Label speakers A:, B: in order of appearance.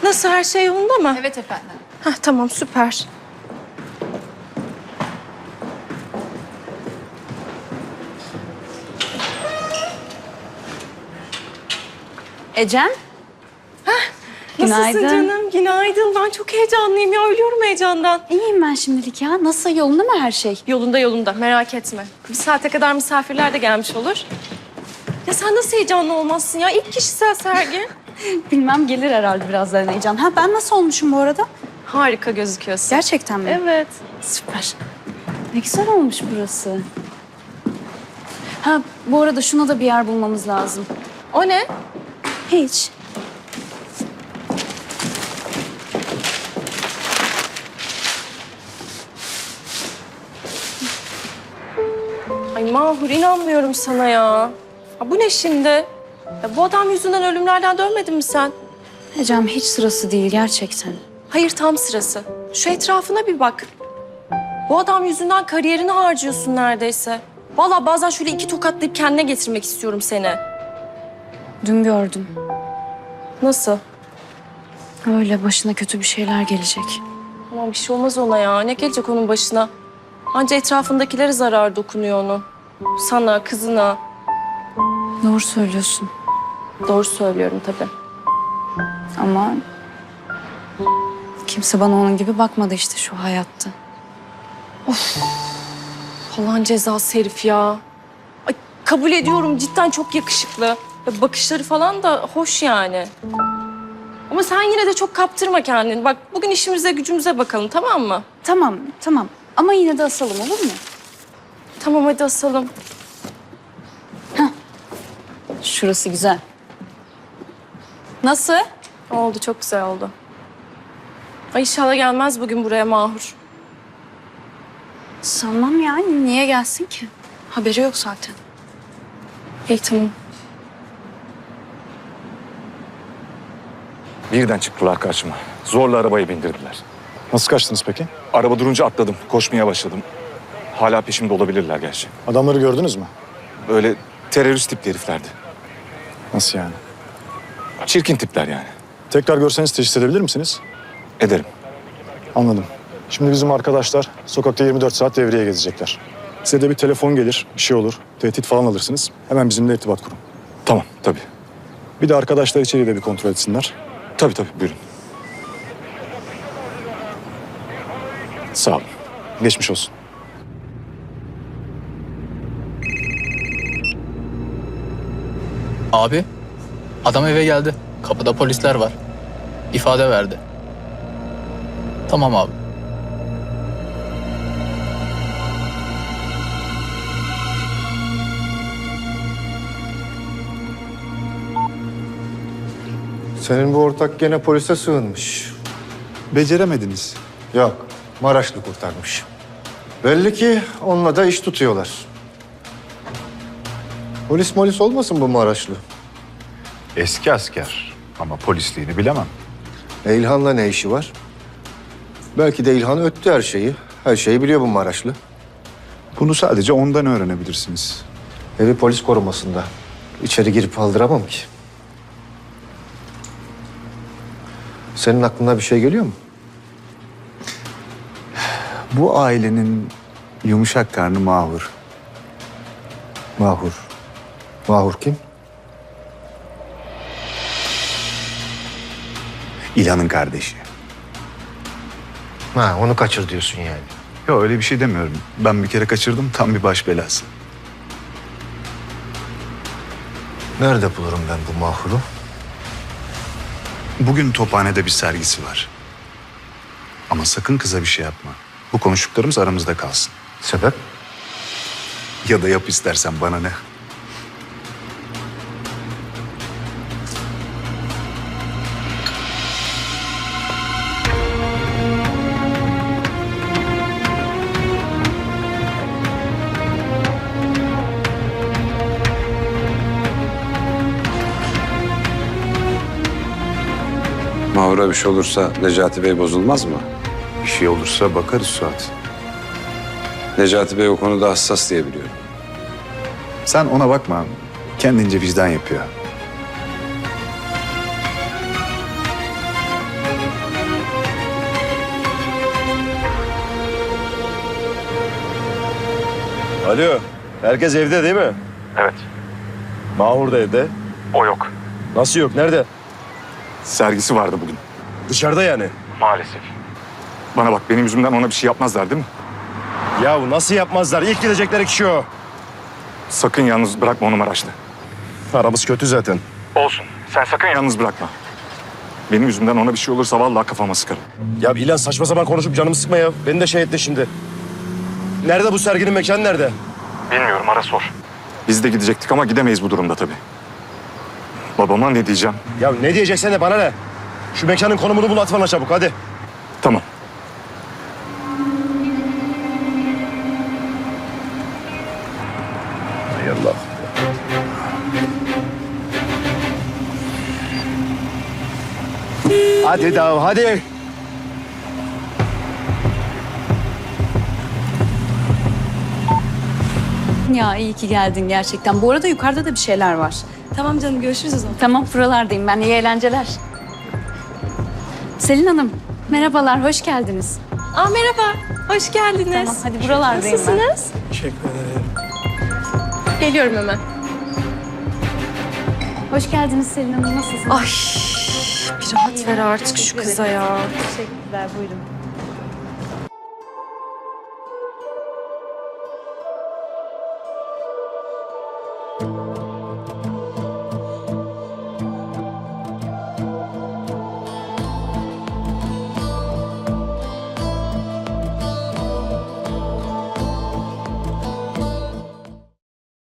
A: Nasıl, her şey yolunda mı?
B: Evet efendim.
A: Heh, tamam, süper.
B: Ecem.
A: Nasılsın
B: Günaydın.
A: canım? Günaydın. Ben çok heyecanlıyım ya. Ölüyorum heyecandan.
B: İyiyim ben şimdilik ya. Nasıl, yolunda mı her şey?
A: Yolunda yolunda. Merak etme. Bir saate kadar misafirler de gelmiş olur. Ya sen nasıl heyecanlı olmazsın ya? İlk kişisel sergi.
B: Bilmem, gelir herhalde birazdan heyecan. Ha, ben nasıl olmuşum bu arada?
A: Harika gözüküyorsun.
B: Gerçekten mi?
A: Evet.
B: Süper. Ne güzel olmuş burası. Ha, bu arada şuna da bir yer bulmamız lazım.
A: O ne?
B: Hiç.
A: Ay Mahur, inanmıyorum sana ya. Bu ne şimdi? Ya bu adam yüzünden ölümlerden dönmedin mi sen?
B: Ecem, hiç sırası değil gerçekten.
A: Hayır, tam sırası. Şu etrafına bir bak. Bu adam yüzünden kariyerini harcıyorsun neredeyse. Vallahi bazen şöyle iki tokatlayıp kendine getirmek istiyorum seni.
B: Dün gördüm.
A: Nasıl?
B: Öyle başına kötü bir şeyler gelecek.
A: Aman bir şey olmaz ona ya. Ne gelecek onun başına? Anca etrafındakilere zarar dokunuyor onun. Sana, kızına.
B: Doğru söylüyorsun.
A: Doğru söylüyorum tabii.
B: Ama kimse bana onun gibi bakmadı işte şu hayatta.
A: Falan cezası herif ya. Ay, kabul ediyorum, cidden çok yakışıklı. Ya bakışları falan da hoş yani. Ama sen yine de çok kaptırma kendini. Bak bugün işimize gücümüze bakalım, tamam mı?
B: Tamam, tamam. Ama yine de asalım, olur mu?
A: Tamam, hadi asalım.
B: Şurası güzel. Nasıl?
A: Oldu, çok güzel oldu. Ay inşallah gelmez bugün buraya Mahur.
B: Sanmam yani. Niye gelsin ki? Haberi yok zaten.
A: İyi, tamam.
C: Birden çıktılar karşıma. Zorla arabaya bindirdiler.
D: Nasıl kaçtınız peki?
C: Araba durunca atladım. Koşmaya başladım. Hala peşimde olabilirler gerçi.
D: Adamları gördünüz mü?
C: Böyle terörist tipli heriflerdi.
D: Nasıl yani?
C: Çirkin tipler yani.
D: Tekrar görseniz teşhis edebilir misiniz?
C: Ederim.
D: Anladım. Şimdi bizim arkadaşlar sokakta 24 saat devreye gezecekler. Size de bir telefon gelir, bir şey olur, tehdit falan alırsınız. Hemen bizimle irtibat kurun.
C: Tamam, tabii.
D: Bir de arkadaşlar içeriği de bir kontrol etsinler.
C: Tabii, buyurun.
D: Sağ olun. Geçmiş olsun.
E: Abi, adam eve geldi. Kapıda polisler var. İfade verdi. Tamam abi.
F: Senin bu ortak gene polise sığınmış.
G: Beceremediniz.
F: Yok, Maraşlı kurtarmış. Belli ki onunla da iş tutuyorlar. Polis olmasın bu Maraşlı?
G: Eski asker ama polisliğini bilemem.
F: İlhan'la ne işi var? Belki de İlhan öttü her şeyi. Her şeyi biliyor bu Maraşlı.
G: Bunu sadece ondan öğrenebilirsiniz.
F: Evi polis korumasında. İçeri girip aldıramam ki. Senin aklına bir şey geliyor mu?
G: Bu ailenin yumuşak karnı Mahur.
F: Mahur. Mahur kim?
G: İlhan'ın kardeşi.
F: Ha, onu kaçır diyorsun yani.
G: Yok öyle bir şey demiyorum. Ben bir kere kaçırdım, tam bir baş belası.
F: Nerede bulurum ben bu Mahur'u?
G: Bugün Tophane'de bir sergisi var. Ama sakın kıza bir şey yapma. Bu konuştuklarımız aramızda kalsın.
F: Sebep?
G: Ya da yap istersen, bana ne?
H: Mahur'a bir şey olursa Necati Bey bozulmaz mı?
G: Bir şey olursa bakarız Suat.
H: Necati Bey o konuda hassas diye biliyorum.
G: Sen ona bakma. Kendince vicdan yapıyor.
I: Alo, herkes evde değil mi?
C: Evet.
I: Mahur da evde.
C: O yok.
I: Nasıl yok, nerede?
C: Sergisi vardı bugün.
I: Dışarıda yani.
C: Maalesef. Bana bak, benim yüzümden ona bir şey yapmazlar değil mi?
I: Yahu nasıl yapmazlar? İlk gidecekleri kişi o.
C: Sakın yalnız bırakma onu Maraş'ta.
I: Aramız kötü zaten.
C: Olsun. Sen sakın yalnız bırakma. Benim yüzümden ona bir şey olursa vallahi kafama sıkarım.
I: Ya İlhan saçma sapan konuşup canımı sıkma ya. Beni de şey etti şimdi. Nerede bu serginin mekanı nerede?
C: Bilmiyorum, ara sor. Biz de gidecektik ama gidemeyiz bu durumda tabii. Babama ne diyeceğim?
I: Ya ne diyeceksen de bana ne? Şu mekanın konumunu bul at bana çabuk hadi.
C: Tamam.
I: Hay Allah. Hadi Dav hadi.
B: Ya iyi ki geldin gerçekten. Bu arada yukarıda da bir şeyler var.
A: Tamam canım, görüşürüz o zaman.
B: Tamam buralardayım ben. İyi eğlenceler. Selin Hanım, merhabalar, hoş geldiniz.
A: Aa, merhaba, hoş geldiniz.
B: Tamam, hadi buralardayım ben.
A: Nasılsınız?
I: Teşekkür ederim.
A: Geliyorum hemen.
B: Hoş geldiniz Selin Hanım, nasılsınız?
A: Ay, bir rahat ver artık şu kıza ya.
B: Teşekkürler, buyurun.